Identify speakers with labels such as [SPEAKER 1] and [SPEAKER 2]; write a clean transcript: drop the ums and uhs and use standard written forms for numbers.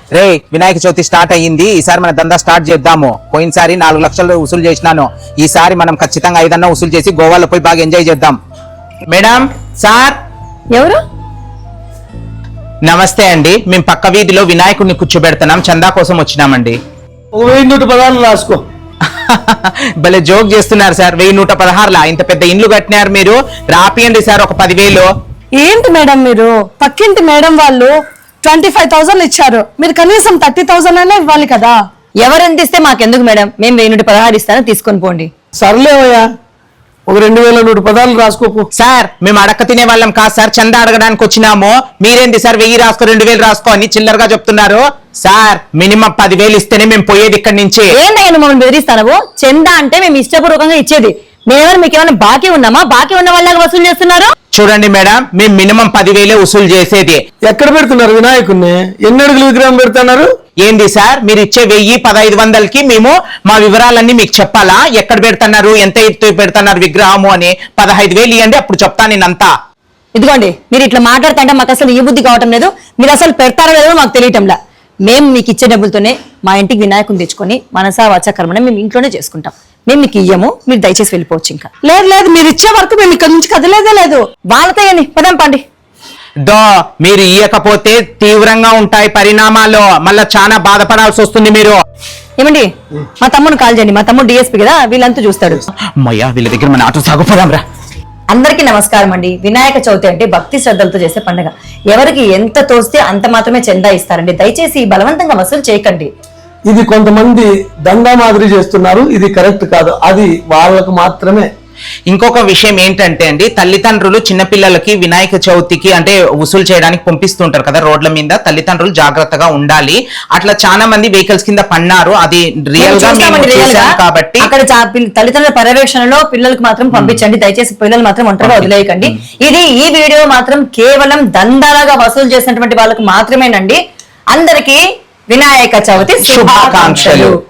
[SPEAKER 1] రే Vinayaka Chavithi start అయ్యింది, ఈసారి మన దందా స్టార్ట్ చేద్దాము. పోయినసారి 4 లక్షలు వసూలు చేసినాను, ఈసారి మనం ఖచ్చితంగా 5 అన్నా వసూలు చేసి గోవాలో పోయి బాగా ఎంజాయ్ చేద్దాం. Madam, sir.
[SPEAKER 2] ఎవరు?
[SPEAKER 1] నమస్తే అండి, మేము పక్క వీధిలో వినాయకుడిని కూర్చోబెడుతున్నాం, చందా కోసం వచ్చినామండి.
[SPEAKER 3] 1116 రాసుకో.
[SPEAKER 1] భలే జోక్ చేస్తున్నారు సార్. 1116 ఇంత పెద్ద ఇండ్లు కట్టినారు మీరు, రాపియండి సార్ ఒక 10,000.
[SPEAKER 2] ఏంటి మేడం మీరు? పక్కింటి మేడం వాళ్ళు 25,000 ఇచ్చారు, మీరు కనీసం 30,000 అయినా ఇవ్వాలి కదా.
[SPEAKER 4] ఎవరెంత ఇస్తే మాకెందుకు మేడం, మేము 1016 ఇస్తాను, తీసుకొని పోండి.
[SPEAKER 3] సర్లేవయ్యా, ఒక 2116 రాసుకోకు.
[SPEAKER 1] సార్ మేము అడక్క తినే వాళ్ళం కాదు సార్, చందా అడగడానికి వచ్చినాము. మీరేంటి సార్ 1000 రాసుకో 2000 రాసుకో అని చిల్లరగా చెప్తున్నారు. సార్ మినిమం 10,000 ఇస్తేనే మేము పోయేది ఇక్కడి నుంచి.
[SPEAKER 4] ఏంటయ్యా మమ్మల్ని బెదిరిస్తాను? చందా అంటే మేము ఇష్టపూర్వకంగా ఇచ్చేది, మేమేమైనా మీకు ఏమైనా బాకీ ఉన్నామా? బాకీ ఉన్న వాళ్ళగా వసూలు చేస్తున్నారు.
[SPEAKER 1] చూడండి మేడం, మేము మినిమం 10,000 వసూలు చేసేది.
[SPEAKER 3] ఎక్కడ పెడుతున్నారు వినాయకుడిని? ఎన్ని అడుగులు విగ్రహం పెడుతున్నారు?
[SPEAKER 1] ఏంది సార్ మీరు ఇచ్చే 1000-1500కి మేము మా వివరాలన్నీ మీకు చెప్పాలా? ఎక్కడ పెడుతున్నారు, ఎంత ఎత్తు పెడుతున్నారు విగ్రహము అని? 15,000 ఇవ్వండి, అప్పుడు చెప్తాను నేనంతా.
[SPEAKER 4] ఇదిగోండి, మీరు ఇట్లా మాట్లాడుతుంటే మాకు అసలు ఈ బుద్ధి కావటం లేదు. మీరు అసలు పెడతారో లేదో మాకు తెలియటంలా. మేము మీకు ఇచ్చే డబ్బులతోనే మా ఇంటికి వినాయకుని తెచ్చుకొని మనసా వాచా కర్మని మేము ఇంట్లోనే చేసుకుంటాం. మేము మీకు ఇయ్యము, మీరు దయచేసి వెళ్ళిపోవచ్చు. ఇంకా
[SPEAKER 2] లేదు, మీరు ఇచ్చే వరకు మేము ఇక్కడ నుంచి కదలేదే లేదు.
[SPEAKER 4] వాళ్ళతో ఏని పదం పండి.
[SPEAKER 1] మీరు ఇయ్యకపోతే తీవ్రంగా ఉంటాయి పరిణామాలు, మళ్ళా చాలా బాధపడాల్సి వస్తుంది మీరు.
[SPEAKER 4] ఏమండి, మా తమ్ముడు కాల్ చేయండి, మా తమ్ముడు డిఎస్పీ కదా, వీళ్ళంతా చూస్తాడు.
[SPEAKER 1] అమ్మయ్యా, వీళ్ళ దగ్గర మన ఆటో సాగుపోదాం రా.
[SPEAKER 4] అందరికీ నమస్కారం అండి. వినాయక చవితి అంటే భక్తి శ్రద్ధలతో చేసే పండుగ. ఎవరికి ఎంత తోస్తే అంత మాత్రమే చందా ఇస్తారండి. దయచేసి బలవంతంగా వసూలు చేయకండి.
[SPEAKER 3] ఇది కొంతమంది దందా మాదిరి చేస్తున్నారు, ఇది కరెక్ట్ కాదు, అది వాళ్ళకు మాత్రమే.
[SPEAKER 1] ఇంకొక విషయం ఏంటంటే అండి, తల్లిదండ్రులు చిన్నపిల్లలకి వినాయక చవితికి అంటే వసూలు చేయడానికి పంపిస్తుంటారు కదా రోడ్ల మీద, తల్లిదండ్రులు జాగ్రత్తగా ఉండాలి. అట్లా చాలా మంది వెహికల్స్ కింద పన్నారు, అది రియల్ గా కాబట్టి
[SPEAKER 4] అక్కడ తల్లిదండ్రుల పర్యవేక్షణలో పిల్లలకు మాత్రం పంపించండి. దయచేసి పిల్లలు మాత్రం ఒంటరిగా వదిలేయకండి. ఈ వీడియో మాత్రం కేవలం దందాలుగా వసూలు చేసినటువంటి వాళ్ళకు మాత్రమేనండి. అందరికీ వినాయక చవితి శుభాకాంక్షలు.